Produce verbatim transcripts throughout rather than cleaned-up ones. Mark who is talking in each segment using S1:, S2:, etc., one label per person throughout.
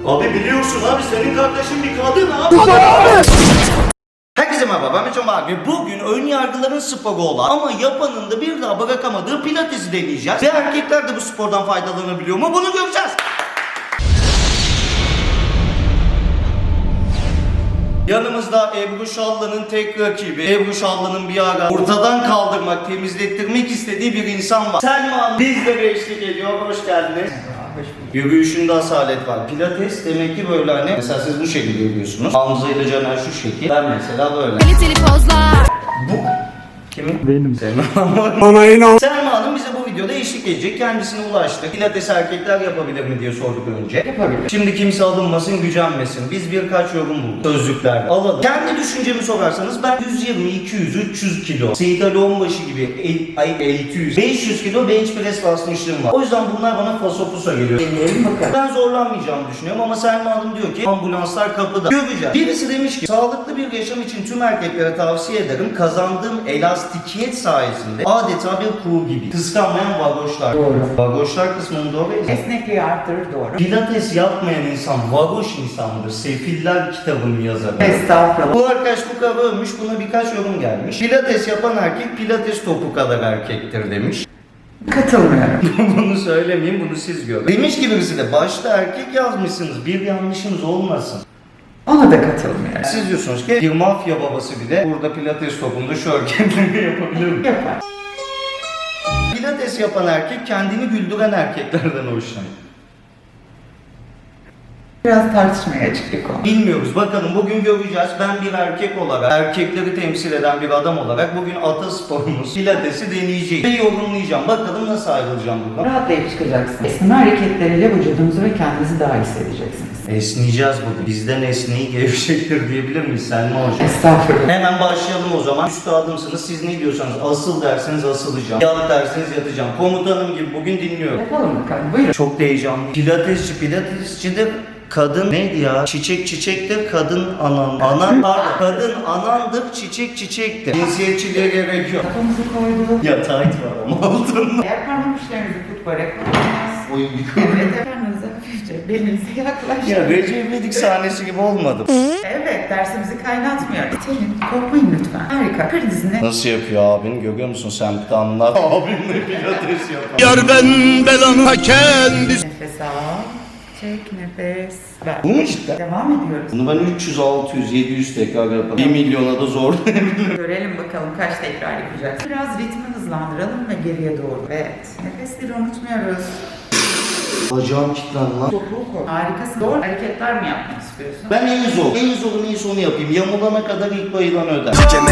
S1: Abi biliyorsun abi, senin kardeşin bir kadın abi. Herkese merhaba, ben Metin abi. Bugün ön yargıların sporu olan ama yapanın da bir daha bırakamadığı pilatesi deneyeceğiz. Ve erkekler de bu spordan faydalanabiliyor mu? Bunu göreceğiz. Yanımızda Ebru Şallı'nın tek rakibi, Ebru Şallı'nın bir ara ortadan kaldırmak, temizlettirmek istediği bir insan var. Selma Hanım bizlere eşlik ediyor, hoş geldiniz. Yürüyüşünde asalet var. Pilates demek ki böyle hani, mesela siz bu şekilde yürüyorsunuz. Hamza ile Caner şu şekil, ben mesela böyle.
S2: Kaliteli pozlar.
S1: Bu kimin?
S3: Benim.
S1: Selma
S3: Bana inan.
S1: Selma Hanım bize bu videoda eşlik edecek. Kendisine ulaştık. Pilates erkekler yapabilir mi diye sorduk önce. Yapabilir. Şimdi kimse alınmasın, gücenmesin. Biz birkaç yorum bulduk. Sözlükler alalım. Kendi düşüncemi sorarsanız ben yüz yirmi, iki yüz, üç yüz kilo. Seyit Ali Onbaşı gibi el, ay, altı yüz, beş yüz kilo bench press basmışlığım var. O yüzden bunlar bana fasopusa geliyor. Deneyelim bakalım. Ben zorlanmayacağımı düşünüyorum ama Selma Hanım diyor ki ambulanslar kapıda. Göreceğiz. Birisi demiş ki sağlıklı bir yaşam için tüm erkeklere tavsiye ederim. Kazandığım elastikiyet sayesinde adeta bir kuğu gibi. Kıskanmayan vagoşlar.
S4: Doğru.
S1: Vagoşlar kısmını doğru.
S4: Esnekliği arttırır, doğru.
S1: Pilates yapmayan insan vagoş insandır. Sefiller kitabının yazarı.
S4: Estağfurullah.
S1: Bu arkadaş bu kadar övmüş, buna birkaç yorum gelmiş. Pilates yapan erkek pilates topu kadar erkektir demiş.
S4: Katılmıyorum.
S1: Bunu söylemeyeyim, bunu siz görün. Demiş ki birisi de başta erkek yazmışsınız, bir yanlışınız olmasın.
S4: Ona da katılmıyorum.
S1: Siz diyorsunuz ki bir mafya babası bile burada pilates topunda şu hareketleri yapabilir mi?
S4: Yapar.
S1: Pilates yapan erkek kendini güldüren erkeklerden hoşlanır.
S4: Biraz tartışmaya açık bir konu.
S1: Bilmiyoruz. Bakalım bugün göreceğiz. Ben bir erkek olarak, erkekleri temsil eden bir adam olarak bugün atasporumuz pilatesi deneyeceğim. Ve yorumlayacağım. Bakalım nasıl ayrılacağım buradan.
S4: Rahatlayıp çıkacaksınız. Esneme hareketleriyle vücudunuzu ve kendinizi daha iyi hissedeceksiniz.
S1: Esneyeceğiz bugün. Bizden esneyi gevşektir diyebilir miyiz Selma Hocam?
S4: Estağfurullah.
S1: Hemen başlayalım o zaman. Üstadımsınız. Siz ne diyorsanız asıl derseniz asılacağım. Yat derseniz yatacağım. Komutanım gibi bugün dinliyorum.
S4: Yapalım bakalım. Buyurun.
S1: Çok da heyecanlıyım. Pilatesçi, pilatesçi de kadın neydi ya? Çiçek çiçektir, kadın anan. Anan pardon. Kadın anandır, çiçek çiçektir. Cinsiyetçiliğe gerek yok.
S4: Kafamızı koyduk.
S1: Ya tight var ama altında.
S4: Eğer parmak uçlarınızı tutmayarak koyacağız.
S1: Oy.
S4: Evet, karnınıza hafifçe belinize yaklaştırın.
S1: Ya Recep İvedik sahnesi gibi olmadı.
S4: Evet, dersimizi kaynatmıyor. İtelim, korkmayın lütfen. Harika. Kır dizini.
S1: Nasıl yapıyor abin? Görüyor musun sen bir de anlat. Abimle pilates yapıyor.
S3: Yar ben belanı kendisi.
S4: Nefes al. Çek nefes. Ver.
S1: Bu mu cidden?
S4: Devam ediyoruz.
S1: Bunu ben üç yüz, altı yüz, yedi yüz tekrar yaparım. bir milyona da zor.
S4: Görelim bakalım kaç tekrar yapacağız. Biraz ritmi hızlandıralım ve geriye doğru. Evet. Nefesleri unutmuyoruz.
S1: Bacağım kilitlendi lan.
S4: Topuğu koy. Harikasın. Doğru hareketler mi yapmak istiyorsun?
S1: Ben en zor. En zoru neyse onu yapayım. Yamulana kadar ilk bayılan öder.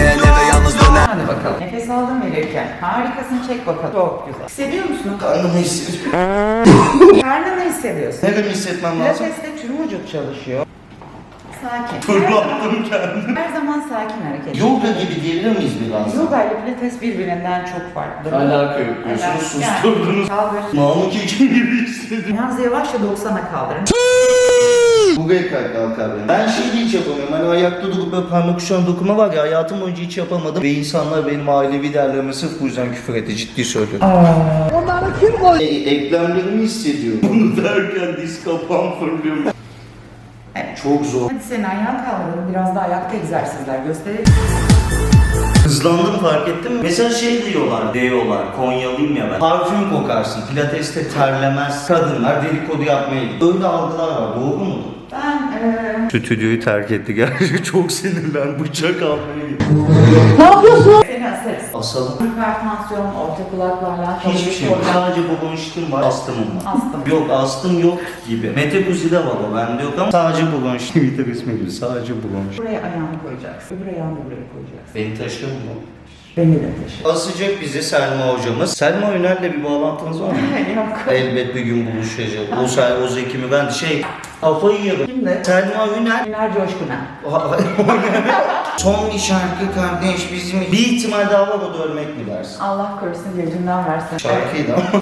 S4: Hadi bakalım. Nefes aldın verirken. Harikasın, çek bakalım. Çok güzel. Hissediyor musun?
S1: Karnımı hissediyorum.
S4: Karnını hissediyorsun.
S1: Neremi hissetmem lazım?
S4: Pilates'te tüm vücut çalışıyor. Sakin.
S1: Fırlattım kendimi.
S4: Her zaman sakin hareket.
S1: Yoga gibi diyebilir miyiz biraz?
S4: Yoga ile pilates birbirinden çok farklı.
S1: Alaka yok diyorsunuz,
S4: Evet.
S1: susturdunuz.
S4: Kaldır.
S1: Namık Ekim gibi hissediyorum.
S4: Yalnız yavaşça doksana kaldırın.
S1: Buraya kalk kalkar benim. Ben şey hiç yapamıyorum. Hani ayakta durup böyle parmak uçlarına dokunma var ya, hayatım boyunca hiç yapamadım. Ve insanlar benim ailevi değerlerime sırf bu yüzden küfür etti. Ciddi söylüyorum.
S4: Onları kim koydu?
S1: E, eklemlerimi hissediyorum. Bunu derken diz kapağım fırlıyor.
S4: Evet.
S1: Çok zor.
S4: Hadi seni ayağa kaldıralım. Biraz da ayakta egzersizler gösterelim.
S1: Hızlandım, fark ettin mi? Mesela şey diyorlar, diyorlar, Konyalıyım ya ben. Parfüm kokarsın, pilateste terlemez. Kadınlar dedikodu yapmaya gidiyor. Öyle algılar var, doğru mu?
S4: Ben eee...
S1: Stüdyoyu terk etti gerçekten, çok sinirlen, bıçak almaya gitti.
S4: Ne yapıyorsun? Seni asarız.
S1: Asalım.
S4: Hipertansiyon, orta kulaklarla
S1: Hiçbir şey yok, sadece bronşitim var, astımım var.
S4: Astım.
S1: Yok, astım yok gibi. Metekuzi'de var o, bende yok ama sadece bronşit. Bir de ismi gibi, sadece bronşit.
S4: Buraya ayağını koyacaksın. Öbür ayağını buraya koyacaksın.
S1: Beni taşır mı?
S4: Beni de taşı.
S1: Asacak bizi Selma hocamız. Selma Öner'le bir bağlantınız var mı?
S4: Yok.
S1: Elbet bir gün buluşacak. O say o zekimi ben şey kafayı yerim.
S4: Kimdi?
S1: Selma Üner.
S4: Güner Coşkun'a.
S1: Son bir şarkı kardeş bizim. Bir ihtimal daha var, o da ölmek mi dersin?
S4: Allah korusun gözünden versin.
S1: Şarkıydı ama.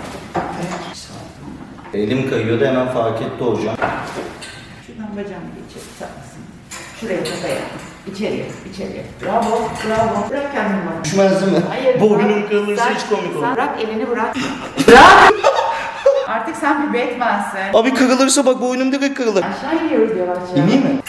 S1: Elim kayıyordu, hemen fark etti hocam.
S4: Şuradan bacağımı geçir. Sağ mısın? Şuraya kafaya. İçeriye, içeriye. Bravo, bravo. Bırak kendini bana.
S1: Düşmez değil mi?
S4: Hayır.
S1: Boynum
S4: bırak.
S1: kırılırsa
S4: Sen-
S1: hiç komik
S4: sen
S1: olur.
S4: Bırak elini bırak. Bırak! Artık sen bir Batman'sin.
S1: Abi kırılırsa bak boynum direkt kırılır.
S4: Aşağı iniyoruz yavaşça.
S1: İneyim mi?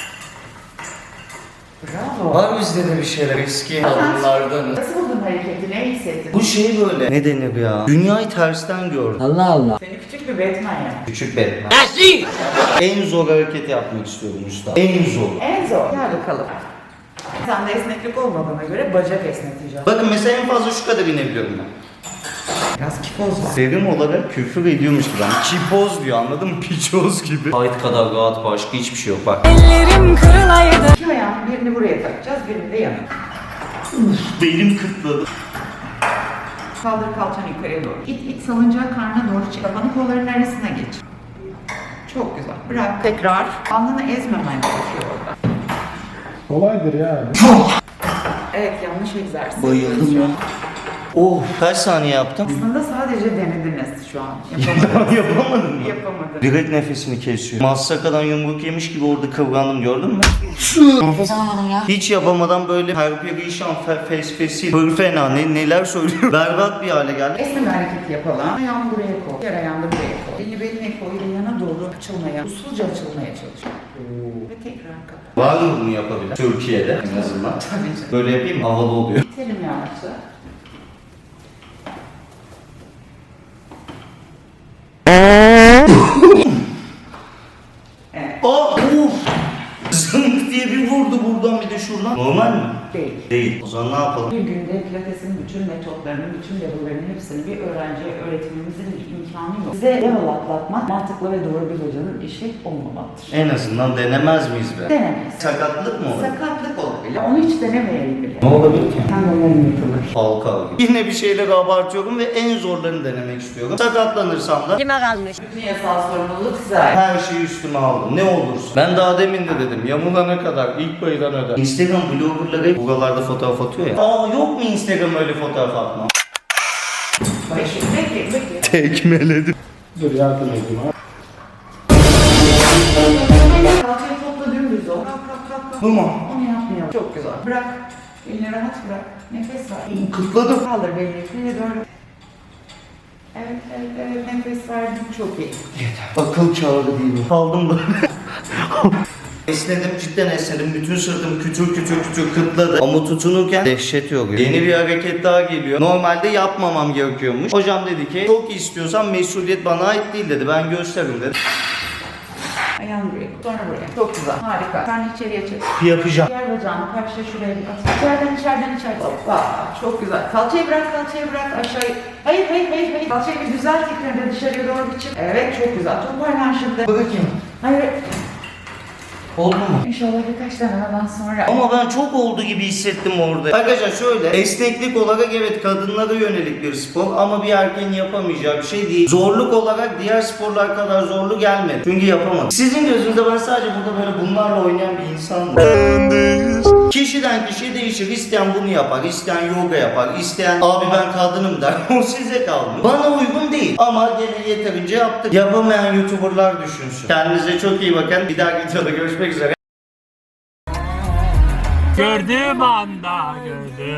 S4: Bravo.
S1: Var bizde de bir şeyler eski kadınlardan.
S4: Nasıl buldun hareketi? Ne hissettin?
S1: Bu şey böyle. Ne denir ya? Dünyayı tersten gördüm.
S2: Allah Allah.
S4: Seni küçük bir Batman ya.
S1: Küçük Batman. En zor hareketi yapmak istiyorum usta. En zor.
S4: En zor. Gel bakalım. Sende esneklik olmadığına göre bacak esneteceğiz.
S1: Bakın mesela en fazla şu kadar inebiliyorum ben.
S4: Biraz kipoz var.
S1: Terim olarak küfür ediyormuş gibi. Yani kipoz diyor anladın mı? Piçoz gibi. Hayt kadar rahat başka hiçbir şey yok bak.
S5: Ellerim kırılaydı.
S4: İki ayağın birini buraya takacağız, birini de yana.
S1: Belim kıtladı.
S4: Kaldır kalçanı yukarıya doğru. İt it salıncağı karnına doğru çık. Kafanı kolların arasına geç. Çok güzel. Bırak. Tekrar. Alnını ezmemen gerekiyor orada.
S6: Kolaydır yani.
S4: Evet, yanlış egzersiz.
S1: Bayıldım ya. Oh kaç saniye yaptım?
S4: Aslında sadece denediniz şu an. Yapamadınız.
S1: Yapamadım mı?
S4: Yapamadın.
S1: Direkt nefesini kesiyor. Massakadan yumruk yemiş gibi orada kıvrandım gördün mü?
S5: Nefes alamadım ya.
S1: Hiç yapamadan böyle perperişan fe, fes fesil fırfena ne, neler söylüyor. Berbat bir hale geldi.
S4: Esneme hareketi yapalım. Ayağını buraya koy. Diğer ayağını buraya koy. Elini beline koy. Ve yana doğru açılmaya, usulca açılmaya çalış. Ve tekrar kapat.
S1: Var mı bunu yapabilen? Türkiye'de en azından.
S4: Tabii canım.
S1: Böyle yapayım mı? Havalı oluyor.
S4: İtelim yavaşça. Evet.
S1: Oh! Uf! Zınk diye bir vurdu buradan bir de şuradan. Normal mi?
S4: Değil.
S1: Değil. O zaman ne yapalım?
S4: Bir günde pilatesin bütün metotlarını, bütün level'larının hepsini bir öğrenciye öğretmemizin bir imkanı yok. Size level atlatmak mantıklı ve doğru bir hocanın işi olmamalıdır.
S1: En azından denemez miyiz be?
S4: Denemeyiz.
S1: Sakatlık mı olur?
S4: Sakatlık olabilir. Onu hiç denemeyelim bile.
S1: Ne olabilir ki?
S4: Tendonların yırtılır.
S1: Halka gibi. Yine bir şeyleri abartıyorum ve en zorlarını denemek istiyorum. Sakatlanırsam da
S5: Kime kalmış?
S4: Bütün yasal sorumluluk size ait.
S1: her şeyi üstüme aldım. Ne olursa. Ben daha demin de dedim. Yamulana kadar ilk paydan öder. Instagram bloggerları hep buralarda fotoğraf atıyor ya. Aa yok mu Instagram öyle fotoğraf atma?
S4: Peki, peki, peki.
S1: Tekmeledim.
S6: Dur yardım edeyim ha.
S4: Kalçayı topla dümdüz ol. Kalk, kalk, kalk, kalk.
S1: Bu mu?
S4: Onu yapmayalım. Çok güzel. Bırak. Elini rahat bırak. Nefes ver.
S1: Kıtladım.
S4: Kaldır belini yukarıya doğru. Evet, evet, evet. Nefes verdim. Çok iyi.
S1: Akıl kârı değil mi? Kaldım böyle. Esnedim, cidden esnedim. Bütün sırtım kütür kütür kütür kıtladı. Ama tutunurken dehşet yoruyor. Yeni bir hareket daha geliyor. Normalde yapmamam gerekiyormuş. Hocam dedi ki çok istiyorsan mesuliyet bana ait değil dedi. Ben gösteririm dedi.
S4: Ayağını buraya koy. Sonra buraya. Çok güzel. Harika. Sen içeriye çek.
S1: Yapacağım.
S4: Diğer bacağını karşıya şuraya bir at. İçeriden içeriden içeriden. Hoppa. Çok güzel. Kalçayı bırak, kalçayı bırak. Aşağıya. Hayır, hayır, hayır, hayır. Kalçayı bir düzelt tekrar dışarıya doğru bir çık. Evet, çok güzel. Toparlan şimdi.
S1: Bakayım.
S4: Hayır.
S1: Oldu mu?
S4: İnşallah birkaç denemeden sonra.
S1: Ama ben çok oldu gibi hissettim orada. Arkadaşlar şöyle, esneklik olarak evet kadınlara yönelik bir spor ama bir erkeğin yapamayacağı bir şey değil. Zorluk olarak diğer sporlar kadar zorlu gelmedi. Çünkü yapamadım. Sizin gözünüzde ben sadece burada böyle bunlarla oynayan bir insanım. Kişiden kişiye değişir. İsteyen bunu yapar, isteyen yoga yapar, isteyen abi ben kadınım der. O size kalmış. Bana uygun değil. Ama gene yeterince yaptık. Yapamayan YouTuber'lar düşünsün. Kendinize çok iyi bakın. Bir dahaki videoda görüşmek üzere.
S3: Gördüğüm anda gördüm.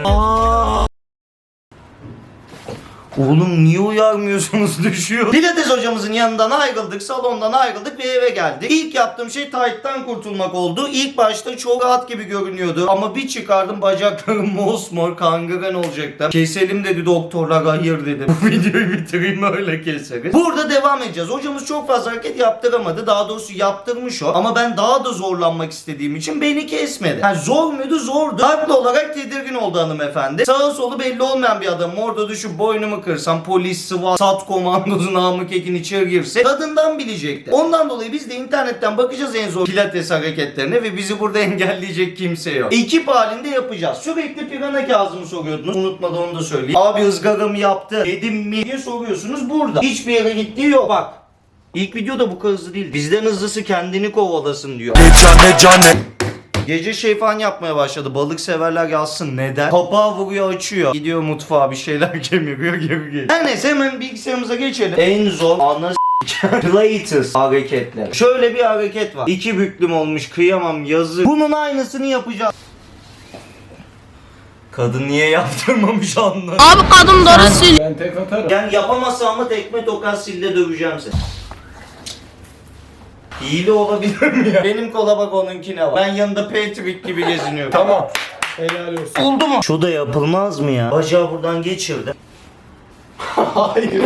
S1: Oğlum niye uyarmıyorsunuz düşüyor. Pilates hocamızın yanından ayrıldık, salondan ayrıldık ve eve geldik. İlk yaptığım şey tight'tan kurtulmak oldu. İlk başta çok rahat gibi görünüyordu ama bir çıkardım bacaklarım mosmor kangren olacaktı. Keselim dedi doktorlar, hayır dedim. Bu videoyu bitireyim öyle keseriz. Burada devam edeceğiz. Hocamız çok fazla hareket yaptıramadı. Daha doğrusu yaptırmış o. Ama ben daha da zorlanmak istediğim için beni kesmedi. Yani zor muydu? Zordu. Haklı olarak tedirgin oldu hanımefendi. Sağı solu belli olmayan bir adamım. Orada düşüp boynumu kırsam polis, SWAT, SAT komandosu Namık Ekin içeri girse tadından bilecekti. Ondan dolayı biz de internetten bakacağız en zor pilates hareketlerine ve bizi burada engelleyecek kimse yok. Ekip halinde yapacağız. Sürekli pirana Kazım'ı soruyordunuz. Unutmadan onu da söyleyeyim. Abi ızgaramı yaptı, yedim mi diye soruyorsunuz burada. Hiçbir yere gittiği yok. Bak. İlk video da bu kadar hızlı değil. Bizden hızlısı kendini kovalasın diyor.
S3: Cane cane.
S1: Gece şey falan yapmaya başladı. Balık severler yazsın. Neden? Kapağı vuruyor açıyor. Gidiyor mutfağa bir şeyler kemiriyor geri geliyor. Her neyse hemen bilgisayarımıza geçelim. En zor ana s**k Pilates hareketler. Şöyle bir hareket var. İki büklüm olmuş kıyamam yazık. Bunun aynısını yapacağız. Kadın niye yaptırmamış anladım.
S5: Abi kadın doğru söylüyor.
S6: Ben tek atarım.
S1: Yani yapamazsam ama tekme tokat sille döveceğim seni. Hile olabilir mi ya? Benim kola bak onunkine bak. Ben yanında Patrick gibi geziniyorum.
S6: Tamam. Helal olsun.
S1: Oldu mu? Şu da yapılmaz mı ya? Bacağı buradan geçirdi.
S6: Hayır.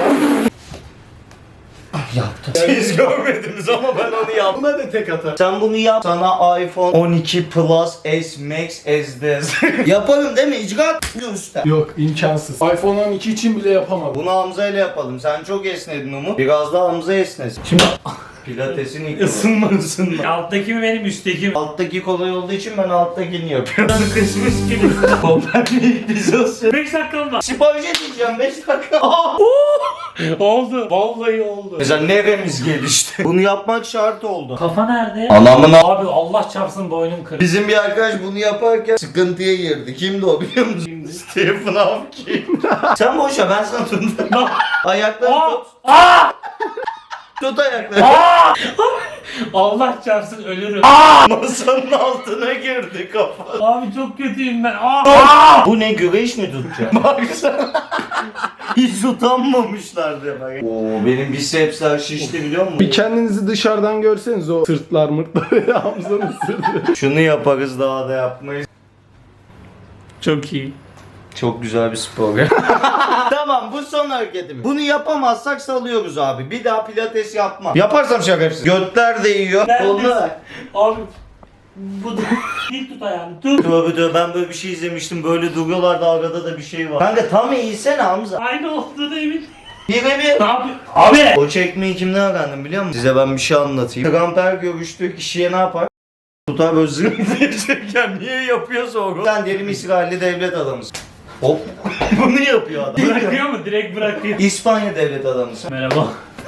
S1: Yaptım. Siz görmediniz ama ben onu yaptım.
S6: Buna da tek atarım.
S1: Sen bunu yap. Sana iPhone on iki Plus S Max S D. Yaparım değil mi? İcraat göster.
S6: Yok imkansız. iPhone on iki için bile yapamadım.
S1: Bunu Hamza ile yapalım. Sen çok esnedin Umut. Biraz daha Hamza esnesin.
S6: Şimdi
S1: Pilatesin ilk ısınma ısınma.
S3: Alttaki mi benim üstteki mi?
S1: Alttaki kolay olduğu için ben alttakini yapıyorum. Kısmış gibi. Kopernik pizza.
S3: beş dakikam var.
S1: Sipariş edeceğim beş dakika.
S3: Oldu. Vallahi oldu.
S1: Mesela neremiz gelişti. Bunu yapmak şart oldu.
S3: Kafa nerede?
S1: Anamın
S3: Abi Allah çarpsın boynum kırık.
S1: Bizim bir arkadaş bunu yaparken sıkıntıya girdi. Kimdi o biliyor musun? Stephen Hawking. Sen boş ver ben sana tuttum. Ayaklarını
S3: Aa!
S1: tut.
S3: Aa!
S1: Tut ayaklarını.
S3: Allah çarpsın ölürüm.
S1: Masanın altına girdi kafa.
S3: Abi çok kötüyüm ben. Aa!
S1: Bu ne güreş mi tutacak? Baksana. Hiç utanmamışlar demek. Oo benim bisepsler şişti biliyor musun?
S6: bir kendinizi dışarıdan görseniz o sırtlar mırtlar Hamza'nın sırtı.
S1: Şunu yaparız daha da yapmayız.
S3: Çok iyi.
S1: Çok güzel bir spor ya. Tamam bu son hareketimiz. Bunu yapamazsak salıyoruz abi. Bir daha pilates yapmam. Yaparsam şakasız. Götler değiyor.
S3: Neredesin?
S1: Koluna ver.
S3: Abi bu da dik tut ayağını tut.
S1: Tövbe tövbe ben böyle bir şey izlemiştim. Böyle duruyorlar da arada da bir şey var. Kanka tam eğilsene Hamza.
S3: Aynı olduğunu emin.
S1: Bir ve bir.
S3: Ne yapıyor? Abi!
S1: O çekmeyi kimden öğrendim biliyor musun? Size ben bir şey anlatayım. Tramper görüştüğü kişiye ne yapar? Tutar böyle zırh diyecekken niye yapıyorsa o? Sen diyelim İsrailli devlet adamısın. Hop. Bunu yapıyor adam.
S3: Bırakıyor mu? Direkt bırakıyor.
S1: İspanya devlet adamısın.
S3: Merhaba.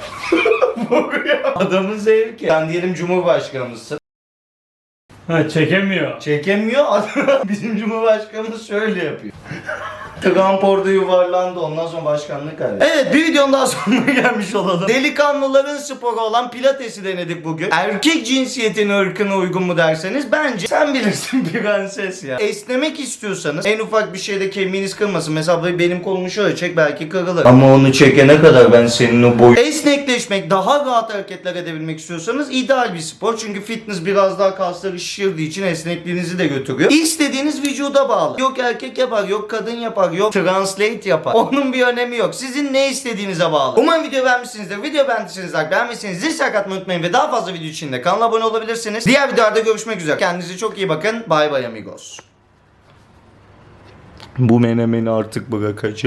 S1: Adamın zevki. Sen diyelim Cumhurbaşkanımızsın.
S3: Ha çekemiyor.
S1: Çekemiyor. Adam- Bizim Cumhurbaşkanımız şöyle yapıyor. Trump orada yuvarlandı. Ondan sonra başkanlık kaybetti. Evet bir videonun daha sonuna gelmiş olalım. Delikanlıların sporu olan pilatesi denedik bugün. Erkek cinsiyetin ırkına uygun mu derseniz bence sen bilirsin prenses ya. Esnemek istiyorsanız en ufak bir şeyde kemiğiniz kırmasın. Mesela benim kolumu şöyle çek belki kırılır. Ama onu çekene kadar ben senin o boy... Esnekleşmek, daha rahat hareketler edebilmek istiyorsanız ideal bir spor. Çünkü fitness biraz daha kasları şişirdiği için esnekliğinizi de götürüyor. İstediğiniz vücuda bağlı. Yok erkek yapar, yok kadın yapar, yok translate yapar. Onun bir önemi yok. Sizin ne istediğinize bağlı. Umarım video beğenmişsinizdir. Video beğendiyseniz like, beğenmişseniz zil sakatmayı unutmayın ve daha fazla video için de kanala abone olabilirsiniz. Diğer videolarda görüşmek üzere. Kendinize çok iyi bakın. Bye bye amigos. Bu menemeni artık bırakacağım.